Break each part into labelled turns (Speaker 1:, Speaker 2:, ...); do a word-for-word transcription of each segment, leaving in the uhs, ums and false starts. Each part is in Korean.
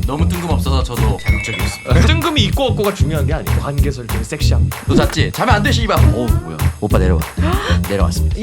Speaker 1: 너무 뜬금없어서 저도 자극적이었습니다.
Speaker 2: 뜬금이 있고 없고가 중요한 게 아니에요. 관계 설정이 섹시합니다.
Speaker 1: 너 잤지? 자면 안 돼, 씨발. 오, 뭐야? 오빠 내려와. 내려왔습니다.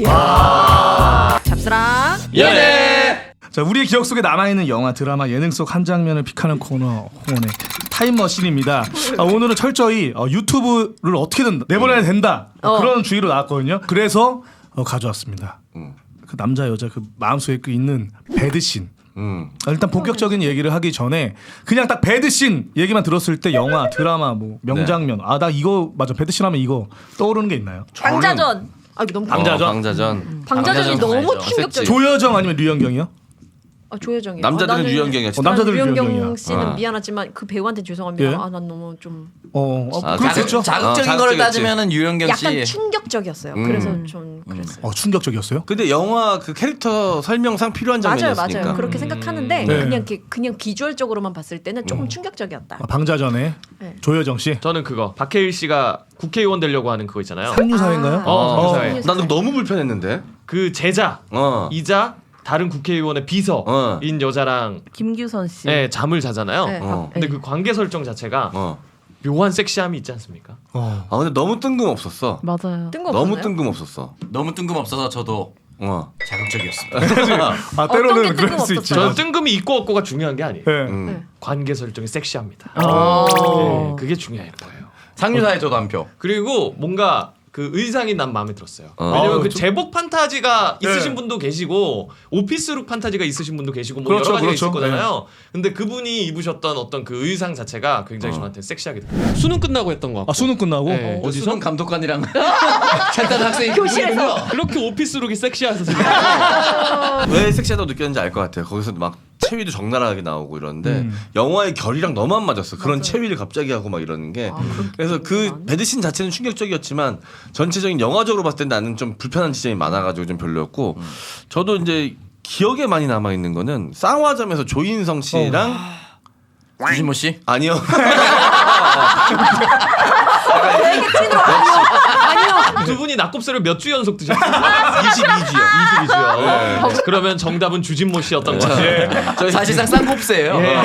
Speaker 3: 잡스랑
Speaker 1: 연애.
Speaker 4: 자, 우리의 기억 속에 남아있는 영화, 드라마, 예능 속 한 장면을 픽하는 코너 홍원의 타임머신입니다. 아, 오늘은 철저히 어, 유튜브를 어떻게든 내보내야 된다
Speaker 3: 어.
Speaker 4: 그런 주의로 나왔거든요. 그래서 어, 가져왔습니다.
Speaker 5: 음.
Speaker 4: 그 남자 여자 그 마음속에 그 있는 배드신.
Speaker 5: 음.
Speaker 4: 아, 일단 본격적인 얘기를 하기 전에 그냥 딱 배드신 얘기만 들었을 때 영화, 드라마, 뭐 명장면 아 나 이거 맞아 배드신 하면 이거 떠오르는 게 있나요?
Speaker 3: 방자전. 아 이거 너무
Speaker 4: 방자전?
Speaker 5: 어, 방자전.
Speaker 3: 방자전이
Speaker 1: 방자전
Speaker 3: 너무
Speaker 1: 알죠.
Speaker 3: 충격적이야.
Speaker 4: 조여정 아니면 류현경이요?
Speaker 3: 아, 조여정이요.
Speaker 5: 남자들은
Speaker 3: 아, 나는-
Speaker 5: 유연경이야.
Speaker 4: 어, 남자들은
Speaker 3: 류현경
Speaker 4: 류현경이야.
Speaker 3: 씨는
Speaker 5: 어.
Speaker 3: 미안하지만 그 배우한테 죄송합니다.
Speaker 4: 예?
Speaker 3: 아 난 너무 좀
Speaker 4: 어, 어
Speaker 5: 아,
Speaker 4: 그렇겠죠.
Speaker 1: 자극, 자극적인
Speaker 5: 어,
Speaker 1: 거를
Speaker 5: 자극적이었지.
Speaker 1: 따지면은 유영경 씨.
Speaker 3: 약간 충격적이었어요.
Speaker 5: 음.
Speaker 3: 그래서 좀 그랬어요.
Speaker 4: 어, 충격적이었어요?
Speaker 5: 근데 영화 그 캐릭터 설명상 필요한
Speaker 3: 맞아요,
Speaker 5: 장면이었으니까.
Speaker 3: 맞아요. 그렇게 생각하는데
Speaker 4: 네.
Speaker 3: 그냥 이렇게 그냥 비주얼적으로만 봤을 때는 조금 충격적이었다.
Speaker 4: 아, 방자전에
Speaker 3: 네.
Speaker 4: 조여정 씨
Speaker 2: 저는 그거 박해일 씨가 국회의원 되려고 하는 그거 있잖아요.
Speaker 4: 삼류사인가요?
Speaker 3: 아.
Speaker 2: 어, 삼류사회.
Speaker 3: 삼류사회.
Speaker 5: 나는 너무 불편했는데.
Speaker 2: 그 제자
Speaker 5: 어.
Speaker 2: 이자 다른 국회의원의 비서인
Speaker 5: 어.
Speaker 2: 여자랑
Speaker 6: 김규선 씨.
Speaker 2: 네, 잠을 자잖아요.
Speaker 3: 네.
Speaker 5: 어.
Speaker 2: 근데 그 관계 설정 자체가
Speaker 5: 어.
Speaker 2: 묘한 섹시함이 있지 않습니까?
Speaker 4: 어.
Speaker 5: 아 근데 너무 뜬금없었어.
Speaker 6: 맞아요.
Speaker 3: 뜬금없었나요?
Speaker 5: 너무 뜬금없었어.
Speaker 1: 너무 뜬금없어서 저도
Speaker 5: 어.
Speaker 1: 자극적이었습니다.
Speaker 4: 아
Speaker 3: 어떤
Speaker 4: 때로는
Speaker 3: 게
Speaker 4: 그럴 수 있지.
Speaker 2: 저는 뜬금이 있고 없고가 중요한 게 아니에요.
Speaker 4: 네.
Speaker 5: 음.
Speaker 3: 네.
Speaker 2: 관계 설정이 섹시합니다.
Speaker 6: 어.
Speaker 2: 네, 그게 중요한 거예요.
Speaker 1: 상류사에 저도 한 표.
Speaker 2: 그리고 뭔가 그 의상이 난 마음에 들었어요.
Speaker 5: 어.
Speaker 2: 왜냐면
Speaker 4: 아,
Speaker 2: 그
Speaker 4: 좀-
Speaker 2: 제복 판타지가
Speaker 4: 네.
Speaker 2: 있으신 분도 계시고 오피스룩 판타지가 있으신 분도 계시고 뭐
Speaker 4: 그렇죠,
Speaker 2: 여러 가지가
Speaker 4: 그렇죠.
Speaker 2: 있을 거잖아요. 근데 그분이 입으셨던 어떤 그 의상 자체가 굉장히
Speaker 5: 어.
Speaker 2: 저한테 섹시하게 들어요. 수능 끝나고 했던 것 같고.
Speaker 4: 아 수능 끝나고
Speaker 2: 네.
Speaker 1: 어디서? 수능 감독관이랑 잔단 학생이
Speaker 3: 교실에서.
Speaker 2: 그렇게 오피스룩이 섹시해서 생각해요.
Speaker 5: 왜 섹시하다고 느꼈는지 알 것 같아요. 거기서 막 체위도 적나라하게 나오고 이러는데
Speaker 4: 음.
Speaker 5: 영화의 결이랑 너무 안 맞았어. 그런
Speaker 3: 맞아요.
Speaker 5: 체위를 갑자기 하고 막 이러는 게.
Speaker 3: 아, 그렇게
Speaker 5: 그래서 그
Speaker 3: 많이?
Speaker 5: 배드신 자체는 충격적이었지만 전체적인 영화적으로 봤을 때 나는 좀 불편한 지점이 많아가지고 좀 별로였고 저도 이제 기억에 많이 남아 있는 거는 쌍화점에서 조인성 씨랑
Speaker 1: 주진모 씨.
Speaker 5: 아니요.
Speaker 3: 아니요.
Speaker 2: 두 분이 낙곱새를 몇 주 연속 드셨어요?
Speaker 5: 이십이 주요.
Speaker 2: 이십이 주요. 그러면 정답은 주진모 씨였던 것 같아요.
Speaker 1: 저희 사실상 쌍곱새예요.
Speaker 5: 네.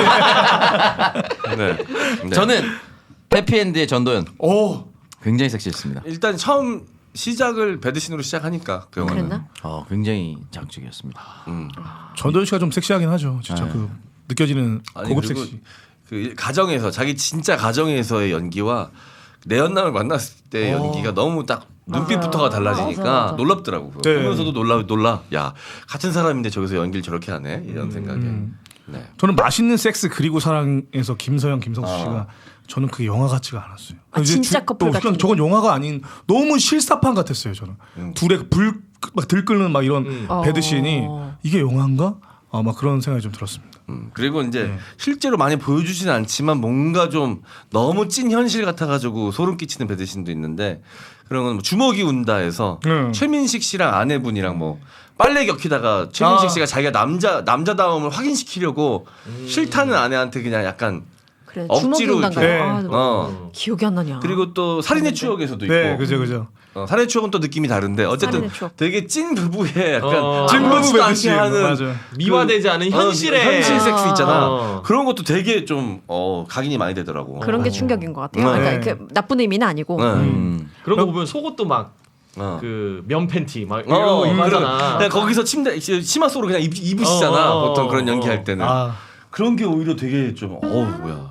Speaker 5: 네.
Speaker 1: 저는 해피엔드의 전도연.
Speaker 4: 오
Speaker 1: 굉장히 섹시했습니다.
Speaker 5: 일단 처음 시작을 배드신으로 시작하니까 그 영화는.
Speaker 3: 그랬나?
Speaker 1: 어, 굉장히 자극적이었습니다.
Speaker 5: 음.
Speaker 4: 전도연 씨가 좀 섹시하긴 하죠. 진짜
Speaker 1: 네.
Speaker 4: 그 느껴지는
Speaker 5: 아니,
Speaker 4: 고급
Speaker 5: 그리고
Speaker 4: 섹시.
Speaker 5: 그 가정에서 자기 진짜 가정에서의 연기와 내연남을 만났을 때 연기가 너무 딱 눈빛부터가 달라지니까
Speaker 6: 맞아, 맞아.
Speaker 5: 놀랍더라고. 그거.
Speaker 4: 네.
Speaker 5: 보면서도 놀라 놀라. 야 같은 사람인데 저기서 연기를 저렇게 하네 이런 생각에.
Speaker 4: 음.
Speaker 5: 네.
Speaker 4: 저는 맛있는 섹스 그리고 사랑에서 김서영, 김성수
Speaker 5: 아.
Speaker 4: 씨가 저는 그게 영화 같지가 않았어요.
Speaker 3: 아,
Speaker 4: 이제
Speaker 3: 진짜
Speaker 4: 주-
Speaker 3: 커플
Speaker 4: 또 그냥
Speaker 3: 같은
Speaker 4: 저건 영화가 아닌 너무 실사판 같았어요. 저는
Speaker 5: 음.
Speaker 4: 둘의 불 막 들끓는 막 이런
Speaker 2: 음.
Speaker 4: 배드신이
Speaker 3: 어.
Speaker 4: 이게 영화인가? 아, 막 그런 생각이 좀 들었습니다.
Speaker 5: 음, 그리고 이제
Speaker 4: 네.
Speaker 5: 실제로 많이 보여주진 않지만 뭔가 좀 너무 찐 현실 같아가지고 소름 끼치는 배드신도 있는데 그런 건뭐 주먹이 운다에서
Speaker 4: 음.
Speaker 5: 최민식 씨랑 아내분이랑 뭐 빨래 겹히다가 최민식
Speaker 4: 아.
Speaker 5: 씨가 자기가 남자 남자다움을 확인시키려고 싫다는 아내한테 그냥 약간
Speaker 3: 그래
Speaker 5: 억지로
Speaker 3: 주먹이 온단가요?
Speaker 4: 네.
Speaker 3: 아,
Speaker 5: 어
Speaker 3: 기억이 안 나냐.
Speaker 5: 그리고 또 살인의 추억에서도 있고
Speaker 4: 네, 그죠, 그죠.
Speaker 5: 어, 살인의 추억은 또 느낌이 다른데 어쨌든
Speaker 3: 살인의 추억.
Speaker 5: 되게 찐 부부의 약간
Speaker 2: 어.
Speaker 4: 찐 부부
Speaker 5: 아무렇지도 않게
Speaker 4: 배드신
Speaker 5: 하는
Speaker 4: 맞아.
Speaker 2: 미화되지 않은
Speaker 5: 어,
Speaker 2: 현실의
Speaker 5: 현실 섹스 있잖아.
Speaker 2: 어.
Speaker 5: 그런 것도 되게 좀 어, 각인이 많이 되더라고.
Speaker 3: 그런 게 충격인 것 같아요.
Speaker 5: 네.
Speaker 3: 그러니까 그 나쁜 의미는 아니고.
Speaker 5: 네.
Speaker 1: 음.
Speaker 2: 그런 거 보면 속옷도 막
Speaker 5: 어.
Speaker 2: 그 면 팬티 막 이런
Speaker 5: 어,
Speaker 2: 거 입고
Speaker 5: 그런-
Speaker 2: 하잖아.
Speaker 5: 그냥 거기서 침대 치마 속으로 그냥 입, 입으시잖아.
Speaker 2: 어, 어,
Speaker 5: 보통 그런
Speaker 2: 어,
Speaker 5: 연기할
Speaker 2: 어.
Speaker 5: 때는
Speaker 4: 아,
Speaker 5: 그런 게 오히려 되게 좀 어우 뭐야.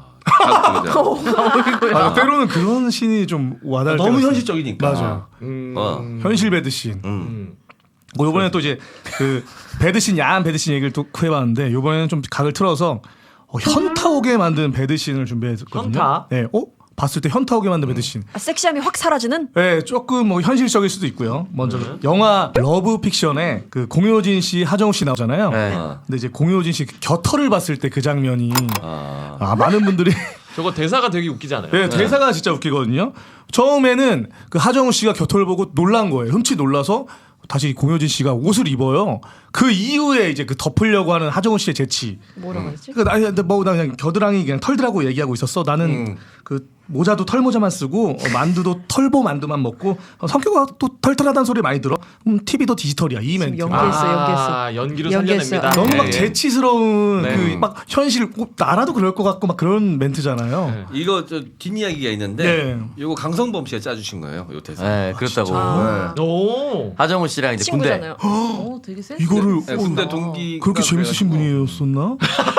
Speaker 5: 자극적이다.
Speaker 4: 아, 때로는 그런 신이 좀 와닿을
Speaker 5: 너무
Speaker 4: 때가
Speaker 5: 현실적이니까.
Speaker 4: 있어요. 맞아요.
Speaker 2: 음.
Speaker 5: 어.
Speaker 4: 현실 배드신.
Speaker 5: 음.
Speaker 2: 음.
Speaker 4: 뭐 이번에 또 이제 그 배드신 야한 배드신 얘기를 또 해봤는데 이번에는 좀 각을 틀어서 어, 현타 오게 만든 배드신을 준비했거든요.
Speaker 2: 현타?
Speaker 4: 네, 어 봤을 때 현타 오게 만든 배드신.
Speaker 3: 아, 섹시함이 확 사라지는?
Speaker 4: 네, 조금 뭐 현실적일 수도 있고요. 먼저 영화 러브 픽션에 그 공효진 씨, 하정우 씨 나오잖아요.
Speaker 1: 네.
Speaker 5: 어.
Speaker 4: 근데 이제 공효진 씨 곁털을 봤을 때 그 장면이
Speaker 5: 아.
Speaker 4: 아 많은 분들이
Speaker 2: 저거 대사가 되게 웃기지 않아요?
Speaker 4: 네, 대사가 진짜 웃기거든요. 처음에는 그 하정우 씨가 곁털을 보고 놀란 거예요. 흠칫 놀라서 다시 공효진 씨가 옷을 입어요. 그 이후에 이제 그 덮으려고 하는 하정우 씨의 재치.
Speaker 3: 뭐라고 했지?
Speaker 4: 그러니까 나, 뭐, 나 그냥 겨드랑이 그냥 털들하고 얘기하고 있었어. 나는
Speaker 5: 음.
Speaker 4: 그 모자도 털모자만 쓰고 어, 만두도 털보 만두만 먹고 어, 성격이 또 털털하다는 소리 많이 들어. 음, 티비도 디지털이야 이 멘트.
Speaker 3: 연기- 연기했어, 연기했어.
Speaker 2: 아, 연기로
Speaker 3: 연기했어.
Speaker 2: 살려냅니다.
Speaker 4: 너무 막
Speaker 2: 네.
Speaker 4: 재치스러운
Speaker 2: 네.
Speaker 4: 그 막 현실 꼭 나라도 그럴 것 같고 막 그런 멘트잖아요.
Speaker 2: 네.
Speaker 5: 이거 저 뒷이야기가 있는데
Speaker 4: 네.
Speaker 5: 이거 강성범 씨가 짜주신 거예요. 요 대사.
Speaker 1: 네, 그렇다고.
Speaker 3: 아.
Speaker 2: 오.
Speaker 1: 하정우 씨랑 이제 군대.
Speaker 3: 친구잖아요.
Speaker 6: 어, 되게 센스.
Speaker 4: 이거를
Speaker 5: 네,
Speaker 4: 어,
Speaker 5: 군대 동기
Speaker 4: 그렇게 재밌으신 분이었었나?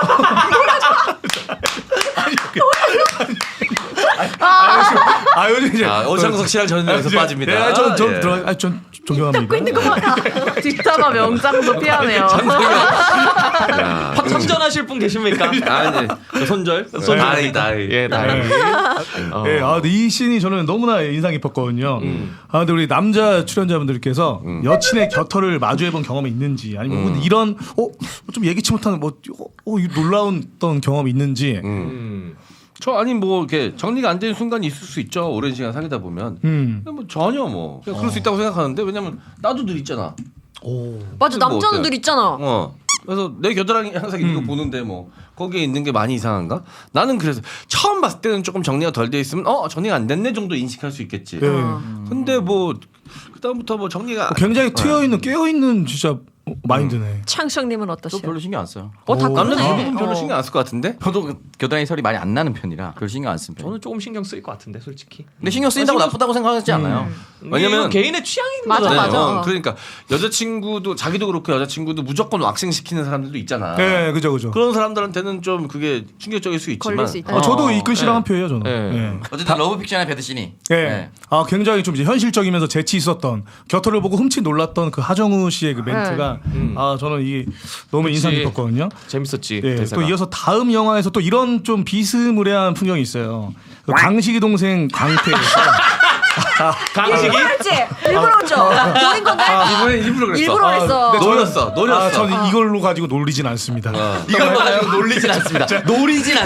Speaker 4: 아 요즘 이제
Speaker 5: 아, 오창석 씨랑 저는 여기서 빠집니다.
Speaker 4: 네, 전전
Speaker 5: 예.
Speaker 4: 들어, 아, 전 존경합니다.
Speaker 6: 뒷담화 명장도 피하네요.
Speaker 5: 야,
Speaker 2: 파 참전하실 분 계십니까?
Speaker 5: 아니, 저 손절?
Speaker 2: 손절.
Speaker 5: 나이, 나이.
Speaker 2: 예, 나.
Speaker 4: 네.
Speaker 2: 어.
Speaker 4: 네, 아, 근데 이 씬이 저는 너무나 인상 깊었거든요.
Speaker 5: 음.
Speaker 4: 아, 근데 우리 남자 출연자분들께서
Speaker 5: 음.
Speaker 4: 여친의 곁털을 마주해본 경험이 있는지, 아니면 혹은 이런 어, 좀 예기치 못한 뭐 어, 이 놀라운 어떤 경험이 있는지.
Speaker 5: 음.
Speaker 2: 음.
Speaker 5: 저 아니 뭐 이렇게 정리가 안 되는 순간이 있을 수 있죠. 오랜 시간 사귀다 보면.
Speaker 4: 음.
Speaker 5: 근데 뭐 전혀 뭐 그냥 그럴 수 있다고 생각하는데 왜냐면 나도 늘 있잖아.
Speaker 3: 맞아,
Speaker 5: 뭐
Speaker 3: 남자는
Speaker 5: 어때요?
Speaker 3: 늘 있잖아.
Speaker 5: 어. 그래서 내 겨드랑이 항상 있는 거
Speaker 4: 음.
Speaker 5: 보는데 뭐 거기에 있는 게 많이 이상한가? 나는 그래서 처음 봤을 때는 조금 정리가 덜 돼 있으면 어 정리가 안 됐네 정도 인식할 수 있겠지.
Speaker 4: 네.
Speaker 3: 어.
Speaker 5: 근데 뭐 그다음부터 뭐 정리가
Speaker 4: 굉장히 트여 있는 깨어 있는 진짜 마인드네.
Speaker 3: 창식님은
Speaker 1: 저
Speaker 3: 어떠세요?
Speaker 1: 별로 신경 안 써요.
Speaker 3: 어, 다
Speaker 5: 남자
Speaker 3: 그러네.
Speaker 5: 대부분 별로
Speaker 3: 어.
Speaker 5: 신경 안 쓸 것 같은데.
Speaker 1: 저도 그 겨드랑이 설이 많이 안 나는 편이라 별로 신경 안 쓰는 편.
Speaker 2: 저는 조금 신경 쓰일 것 같은데 솔직히.
Speaker 1: 근데 신경 쓰인다고
Speaker 2: 아, 신경-
Speaker 1: 나쁘다고 생각하지 않아요.
Speaker 5: 왜냐면-
Speaker 2: 이건 개인의 취향인
Speaker 3: 맞아,
Speaker 2: 거잖아요.
Speaker 3: 맞아.
Speaker 5: 어, 그러니까 여자친구도 자기도 그렇고 여자친구도 무조건 왁싱 시키는 사람들도 있잖아.
Speaker 4: 네, 그죠, 그죠.
Speaker 5: 그런 사람들한테는 좀 그게 충격적일 수 있지만
Speaker 3: 걸릴 수 있다.
Speaker 4: 아, 저도
Speaker 2: 어,
Speaker 4: 이근 씨랑
Speaker 2: 네.
Speaker 4: 한 표예요, 저는.
Speaker 2: 네.
Speaker 4: 네.
Speaker 1: 어쨌든 러브픽션의 배드신이.
Speaker 4: 예. 아 굉장히 좀 이제 현실적이면서 재치 있었던 곁털을 보고 흠칫 놀랐던 그 하정우 씨의 그 멘트가
Speaker 2: 음.
Speaker 4: 아 저는 이게 너무 인상
Speaker 2: 그치.
Speaker 4: 깊었거든요.
Speaker 2: 재밌었지.
Speaker 4: 예.
Speaker 2: 대사가.
Speaker 4: 또 이어서 다음 영화에서 또 이런 좀 비스무리한 풍경이 있어요. 그 강식이 동생 광태에서
Speaker 2: 강식이
Speaker 3: 일부러 했지? 일부러 했죠? 노린 건데?
Speaker 5: 이번에 일부러 그랬어.
Speaker 3: 일부러 했어.
Speaker 4: 근데 저는-
Speaker 5: 노렸어, 노렸어.
Speaker 4: 아, 저는 이걸로 가지고 놀리진 않습니다.
Speaker 1: 이걸 가지고 놀리진 않습니다. 노리진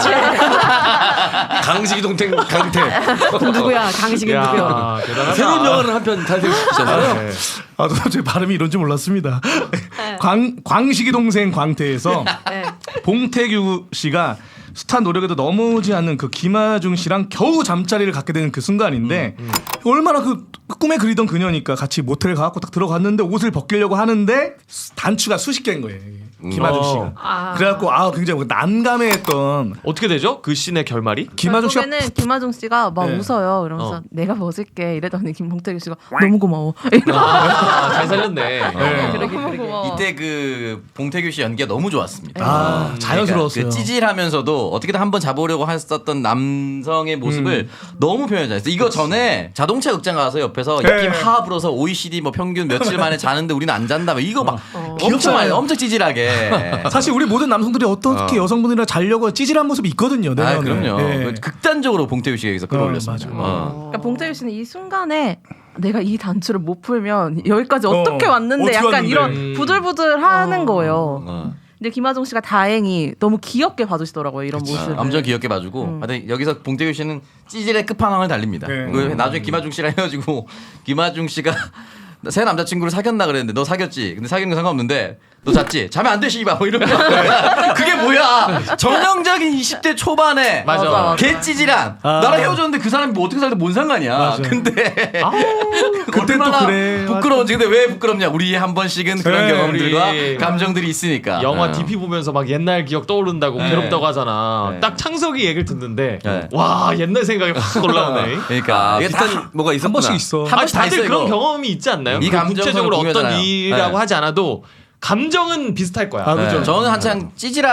Speaker 1: 않습니다.
Speaker 5: 강식이 동생 강태.
Speaker 3: 누구야? 강식이 누구야?
Speaker 2: 야, 대단하다.
Speaker 5: 새로운 영화를 한 편 탄생시켰잖아요.
Speaker 2: 네.
Speaker 4: 아, 저도 제 발음이 이런 줄 몰랐습니다. 광 광식이 동생 광태에서
Speaker 3: 네.
Speaker 4: 봉태규 씨가 숱한 노력에도 넘어오지 않는 그 김하중 씨랑 겨우 잠자리를 갖게 되는 그 순간인데 얼마나 그 꿈에 그리던 그녀니까 같이 모텔 가갖고 딱 들어갔는데 옷을 벗기려고 하는데 단추가 수십 개인 거예요. 김하중
Speaker 2: 어.
Speaker 4: 씨가.
Speaker 3: 아.
Speaker 4: 그래갖고 아 굉장히 난감해했던
Speaker 2: 어떻게 되죠? 그 씬의 결말이?
Speaker 4: 김하중 씨가
Speaker 6: 결국에는 김하중 씨가 막
Speaker 4: 네.
Speaker 6: 웃어요. 이러면서
Speaker 2: 어.
Speaker 6: 내가 벗을게 이랬더니 김봉태규 씨가 너무 고마워.
Speaker 2: 아, 잘 살렸네.
Speaker 4: 네.
Speaker 3: 그러게,
Speaker 6: 너무
Speaker 3: 그러게.
Speaker 6: 고마워.
Speaker 1: 이때 그 봉태규 씨 연기가 너무 좋았습니다.
Speaker 4: 아 자연스러웠어요.
Speaker 1: 그러니까 그 찌질하면서도 어떻게든 한번 잡으려고 했었던 남성의 모습을 너무 표현 잘했어요. 이거 전에 자동차 극장 가서 옆에서
Speaker 4: 네.
Speaker 1: 입김 하하 불어서 오이시디 뭐 평균 며칠 만에 자는데 우리는 안 잔다. 뭐 이거 막 엄청
Speaker 4: 귀엽잖아요.
Speaker 1: 많이 엄청 찌질하게.
Speaker 4: 사실 우리 모든 남성들이 어떻게
Speaker 5: 어.
Speaker 4: 여성분이랑 자려고 찌질한 모습이 있거든요.
Speaker 1: 아
Speaker 4: 내면에.
Speaker 1: 그럼요.
Speaker 4: 예.
Speaker 1: 극단적으로 봉태규 씨가 여기서 끌어올렸습니다.
Speaker 4: 어, 맞아.
Speaker 1: 어.
Speaker 6: 그러니까 봉태규 씨는 이 순간에 내가 이 단추를 못 풀면 여기까지 어떻게
Speaker 4: 어,
Speaker 6: 왔는데
Speaker 4: 어떻게
Speaker 6: 약간
Speaker 4: 왔는데.
Speaker 6: 이런
Speaker 2: 음.
Speaker 6: 부들부들하는 거예요.
Speaker 5: 어.
Speaker 6: 근데 김하중 씨가 다행히 너무 귀엽게 봐주시더라고요 이런 모습을.
Speaker 1: 엄청 귀엽게 봐주고
Speaker 6: 음.
Speaker 1: 하여튼 여기서 봉태규 씨는 찌질의 끝판왕을 달립니다.
Speaker 4: 네.
Speaker 1: 그 나중에 김하중 씨랑 헤어지고 김하중 씨가 새 남자친구를 사귀었나 그랬는데 너 사귀었지? 근데 사귀는 거 상관없는데 너 잤지? 자면 안 돼 씨발 뭐 이러면 그게 뭐야 전형적인 이십 대 초반에
Speaker 2: 맞아.
Speaker 6: 맞아.
Speaker 1: 개찌질한
Speaker 4: 아.
Speaker 1: 나랑 헤어졌는데 그 사람이 뭐 어떻게 살든 뭔 상관이야.
Speaker 4: 맞아.
Speaker 1: 근데
Speaker 4: 그땐 또
Speaker 1: 얼마나
Speaker 4: 그래.
Speaker 1: 부끄러운지. 근데 왜 부끄럽냐? 우리 한 번씩은 그런
Speaker 4: 네.
Speaker 1: 경험들과
Speaker 2: 우리
Speaker 1: 감정들이 있으니까.
Speaker 2: 영화
Speaker 1: 어.
Speaker 2: 디피 보면서 막 옛날 기억 떠오른다고
Speaker 1: 네.
Speaker 2: 괴롭다고 하잖아.
Speaker 1: 네.
Speaker 2: 딱 창석이 얘기를 듣는데
Speaker 1: 네.
Speaker 2: 와 옛날 생각이 확 올라오네.
Speaker 1: 그러니까
Speaker 5: 아,
Speaker 1: 이게
Speaker 5: 비슷한
Speaker 1: 다
Speaker 5: 뭐가
Speaker 4: 한
Speaker 5: 있었구나.
Speaker 4: 번씩 있어.
Speaker 1: 한
Speaker 2: 아,
Speaker 1: 번씩 다
Speaker 2: 다들
Speaker 1: 있어요,
Speaker 2: 그런
Speaker 1: 이거.
Speaker 2: 경험이 있지 않나요?
Speaker 1: 이
Speaker 2: 그
Speaker 1: 감정선은
Speaker 2: 구체적으로 어떤
Speaker 1: 공유하잖아요.
Speaker 2: 일이라고
Speaker 1: 네.
Speaker 2: 하지 않아도 감정은 비슷할 거야.
Speaker 4: 아,
Speaker 1: 네.
Speaker 4: 그죠.
Speaker 1: 저는 한창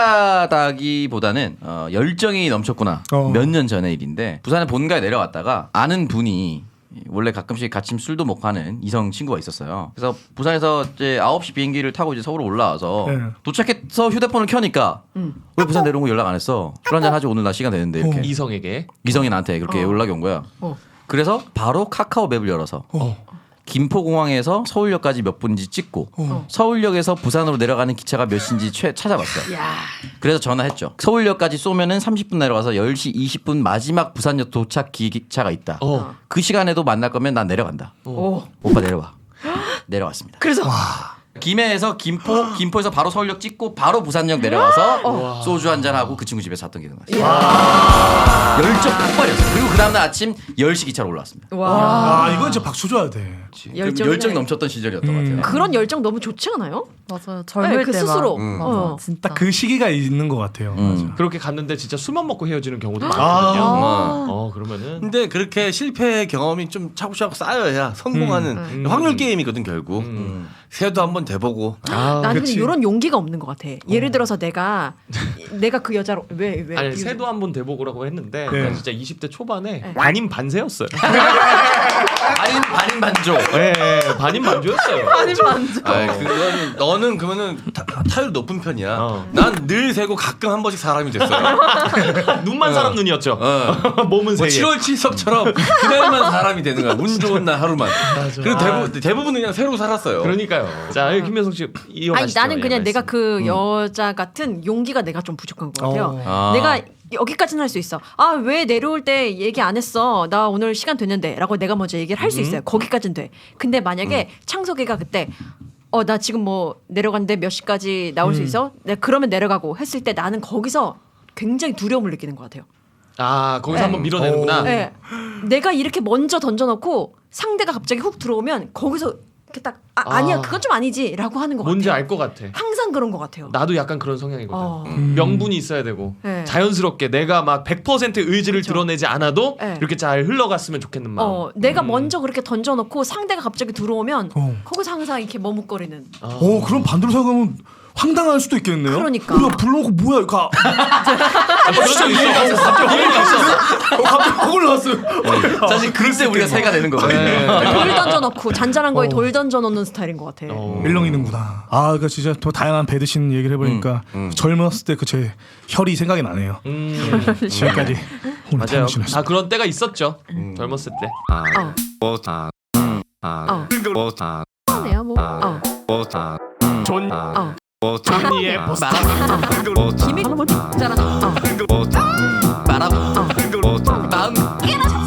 Speaker 1: 찌질하다기보다는 어, 열정이 넘쳤구나.
Speaker 4: 어.
Speaker 1: 몇 년 전의 일인데 부산에 본가에 내려왔다가 아는 분이 원래 가끔씩 같이 술도 먹고 하는 이성 친구가 있었어요. 그래서 부산에서 이제 아홉 시 비행기를 타고 이제 서울로 올라와서
Speaker 4: 네.
Speaker 1: 도착해서 휴대폰을 켜니까 왜 부산 내려온 거 연락 안 했어? 술 한잔 하지 오늘 나 시간 되는데 이렇게
Speaker 4: 어.
Speaker 2: 이성에게
Speaker 1: 이성이 나한테 그렇게 연락이 온 거야.
Speaker 3: 어.
Speaker 1: 그래서 바로 카카오 맵을 열어서
Speaker 4: 어.
Speaker 1: 김포공항에서 서울역까지 몇 분인지 찍고
Speaker 4: 어.
Speaker 1: 서울역에서 부산으로 내려가는 기차가 몇 시인지 최, 찾아봤어요.
Speaker 3: 야.
Speaker 1: 그래서 전화했죠. 서울역까지 쏘면은 삼십 분 내려가서 열 시 이십 분 마지막 부산역 도착 기차가 있다.
Speaker 2: 어.
Speaker 1: 그 시간에도 만날 거면 난 내려간다.
Speaker 3: 오.
Speaker 1: 오빠 내려와. 내려왔습니다.
Speaker 3: 그래서
Speaker 1: 김해에서 김포, 김포에서 바로 서울역 찍고 바로 부산역 내려와서 소주 한잔 하고 그 친구 집에서 잤던 기억이 나요. 열정 폭발이었어요. 그리고 그 다음날 아침 열 시 기차로 올라왔습니다.
Speaker 3: 와.
Speaker 4: 아 이건 진짜 박수 줘야 돼.
Speaker 3: 열정이네.
Speaker 1: 열정이 넘쳤던 시절이었던 것 같아요.
Speaker 3: 그런 열정 너무 좋지 않아요?
Speaker 6: 맞아요.
Speaker 3: 네,
Speaker 6: 젊을
Speaker 3: 그
Speaker 6: 때
Speaker 3: 스스로.
Speaker 6: 막. 맞아.
Speaker 3: 어.
Speaker 6: 진짜.
Speaker 4: 딱 그 시기가 있는 것 같아요.
Speaker 1: 음.
Speaker 4: 맞아.
Speaker 2: 그렇게 갔는데 진짜 술만 먹고 헤어지는 경우도
Speaker 4: 아.
Speaker 2: 많거든요.
Speaker 5: 어.
Speaker 2: 어 그러면은
Speaker 5: 근데 그렇게 실패 경험이 좀 차곡차곡 쌓여야 성공하는
Speaker 2: 음.
Speaker 5: 확률 게임이거든 결국.
Speaker 2: 음.
Speaker 5: 새도 한번 돼보고.
Speaker 2: 아,
Speaker 3: 나는
Speaker 4: 그치.
Speaker 3: 근데 이런 용기가 없는 것 같아. 예를 들어서 내가 내가 그 여자로 왜 왜?
Speaker 2: 아니 새도 한번 대보고라고 했는데
Speaker 4: 네.
Speaker 2: 난 진짜 이십 대 초반에
Speaker 3: 네.
Speaker 2: 반인 반세였어요.
Speaker 1: 반인 반인 반조.
Speaker 2: 네, 반인 반조였어요.
Speaker 6: 아니 만져.
Speaker 5: 아이, 그거는 너는 그러면은 타, 타율 높은 편이야.
Speaker 2: 어.
Speaker 5: 난 늘 새고 가끔 한 번씩 사람이 됐어요.
Speaker 2: 눈만 사람 눈이었죠.
Speaker 5: 어.
Speaker 2: 몸은
Speaker 5: 뭐
Speaker 2: 세 개.
Speaker 5: 칠월 칠석처럼 그날만 사람이 되는 거야. 운 좋은 날 하루만. 그리고 대부분 대부분은 그냥 새로 살았어요.
Speaker 2: 그러니까요. 자 김현석 씨
Speaker 3: 아니
Speaker 2: 이어가시죠.
Speaker 3: 나는 그냥
Speaker 2: 예,
Speaker 3: 내가
Speaker 2: 말씀.
Speaker 3: 그 여자 같은 용기가 내가 좀 부족한 것 같아요.
Speaker 1: 아.
Speaker 3: 내가 여기까지는 할 수 있어. 아 왜 내려올 때 얘기 안 했어? 나 오늘 시간 됐는데라고 내가 먼저 얘기를 할 수 있어요. 거기까지는 돼. 근데 만약에 창석이가 그때 어 나 지금 뭐 내려갔는데 몇 시까지 나올 수 있어? 내가 그러면 내려가고 했을 때 나는 거기서 굉장히 두려움을 느끼는 것 같아요.
Speaker 2: 아 거기서
Speaker 3: 네.
Speaker 2: 한번 밀어내는구나.
Speaker 3: 네. 내가 이렇게 먼저 던져놓고 상대가 갑자기 훅 들어오면 거기서 이렇게 딱 아,
Speaker 2: 아.
Speaker 3: 아니야 그건 좀 아니지라고 하는 것
Speaker 2: 뭔지
Speaker 3: 같아요.
Speaker 2: 알 것 같아.
Speaker 3: 항상 그런 것 같아요.
Speaker 2: 나도 약간 그런 성향이거든.
Speaker 3: 어.
Speaker 2: 명분이 있어야 되고
Speaker 3: 네.
Speaker 2: 자연스럽게 내가 막 백 퍼센트 의지를
Speaker 3: 그쵸.
Speaker 2: 드러내지 않아도
Speaker 3: 네.
Speaker 2: 이렇게 잘 흘러갔으면 좋겠는 마음.
Speaker 3: 어, 내가
Speaker 2: 음.
Speaker 3: 먼저 그렇게 던져놓고 상대가 갑자기 들어오면
Speaker 4: 어.
Speaker 3: 거기서 항상 이렇게 머뭇거리는.
Speaker 2: 어.
Speaker 4: 오 그럼 반대로 생각하면 황당할 수도 있겠네요.
Speaker 3: 그러니까.
Speaker 4: 야 불러놓고 뭐야 이거. 가-
Speaker 2: 아, 진짜 이해가 안 갔어. 갑자기 이해가 안 갔어.
Speaker 4: 어, 갑자기 확 올라왔어요.
Speaker 1: 사실 그때 우리가 새가 되는 거거든요.
Speaker 3: 돌 던져놓고 잔잔한 거에
Speaker 4: 어.
Speaker 3: 돌 던져놓는 스타일인 것 같아.
Speaker 2: 어.
Speaker 4: 일렁이는구나. 아, 그러니까 진짜 더 다양한 배드신 얘기를 해보니까 젊었을 때 그 제 혈이 생각이 나네요.
Speaker 2: 음.
Speaker 4: 지금까지 오늘
Speaker 2: 맞아요.
Speaker 4: 당신이었습니다.
Speaker 2: 다 그런 때가 있었죠. 젊었을 때.
Speaker 3: 어.
Speaker 5: 뭐, 아, 아,
Speaker 3: 어.
Speaker 5: 뭐, 아,
Speaker 3: 네요 뭐. 어.
Speaker 5: 뭐, 아,
Speaker 4: 존
Speaker 3: 어.
Speaker 5: 뭐,
Speaker 4: 존니의
Speaker 5: 아,
Speaker 4: 보스터.
Speaker 3: 기믹 잘한다. 어.
Speaker 5: 뭐,
Speaker 1: 말하고
Speaker 5: 뭐,
Speaker 1: 마음